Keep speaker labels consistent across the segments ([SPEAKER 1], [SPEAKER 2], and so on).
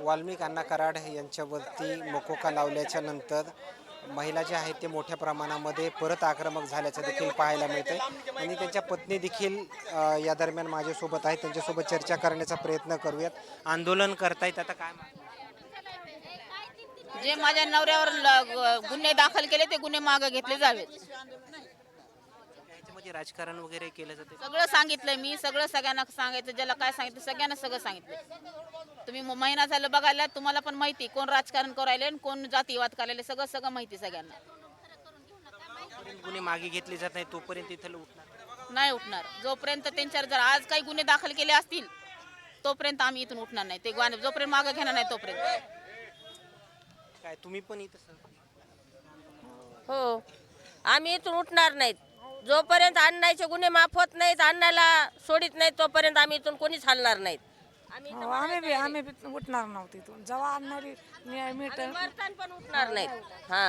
[SPEAKER 1] वाल्मिक अण्णा कराड यांच्यावरती मकोका लावल्याच्या नंतर महिला ज्या आहेत ते मोठ्या प्रमाणामध्ये परत आक्रमक झाल्याचं देखील पाहायला मिळते आणि त्यांच्या पत्नी देखील या दरम्यान माझ्यासोबत आहेत. त्यांच्यासोबत चर्चा करण्याचा प्रयत्न करूयात. आंदोलन करतायत, आता काय
[SPEAKER 2] जे माझ्या नवऱ्यावर गुन्हे दाखल केले ते गुन्हे मागे घेतले जावेत.
[SPEAKER 1] याच्यामध्ये राजकारण वगैरे केलं जाते?
[SPEAKER 2] सगळं सांगितलंय मी, सगळ्यांना सांगायचं, ज्याला काय सांगितलं सगळ्यांना सगळं सांगितलं. तुम्ही महिना झालं बघायला, तुम्हाला पण माहिती कोण राजकारण करायले आणि कोण जातीवाद करायले, सगळं माहिती सगळ्यांना.
[SPEAKER 1] गुन्हे मागे घेतले जात नाही तोपर्यंत इथं
[SPEAKER 2] नाही उठणार. जोपर्यंत त्यांच्यावर जर आज काही गुन्हे दाखल केले असतील तोपर्यंत आम्ही इथून उठणार नाही. ते जोपर्यंत मागे घेणार नाही तोपर्यंत.
[SPEAKER 1] काय तुम्ही पण इथं?
[SPEAKER 3] हो, आम्ही इथून उठणार नाहीत. जोपर्यंत अण्णाचे गुन्हे माफ होत नाहीत, अण्णाला सोडित नाहीत तोपर्यंत आम्ही इथून कोणीच हलणार नाहीत.
[SPEAKER 4] आम्ही उठणार नव्हतो इथून. जेव्हा आणणारी
[SPEAKER 3] मरताना पण उठणार नाहीत. हा,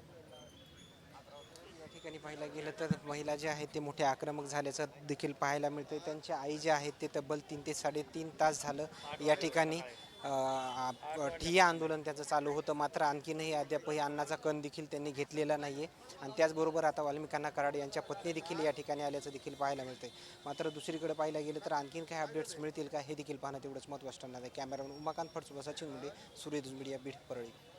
[SPEAKER 1] या ठिकाणी पाहायला गेलं तर महिला ज्या आहेत ते मोठे आक्रमक झाल्याचं देखील पाहायला मिळते. त्यांची आई जे आहेत ते तब्बल 3 ते 3.5 तास झालं या ठिकाणी ठिय्या आंदोलन त्याचं चालू होतं. मात्र आणखीनही अद्यापही अन्नाचा कण देखील त्यांनी घेतलेला नाही आहे आणि त्याचबरोबर आता वाल्मिक अण्णा कराड यांच्या पत्नी देखील या ठिकाणी आल्याचं देखील पाहायला मिळतं. मात्र दुसरीकडे पाहायला गेलं तर आणखीन काही अपडेट्स मिळतील का हे देखील पाहणं तेवढंच महत्त्वाचं ठरणार आहे. कॅमेरामन उमाकांत फडसोबत सचिन मुंडे, सूर्यदूत मीडिया, बीड, परळी.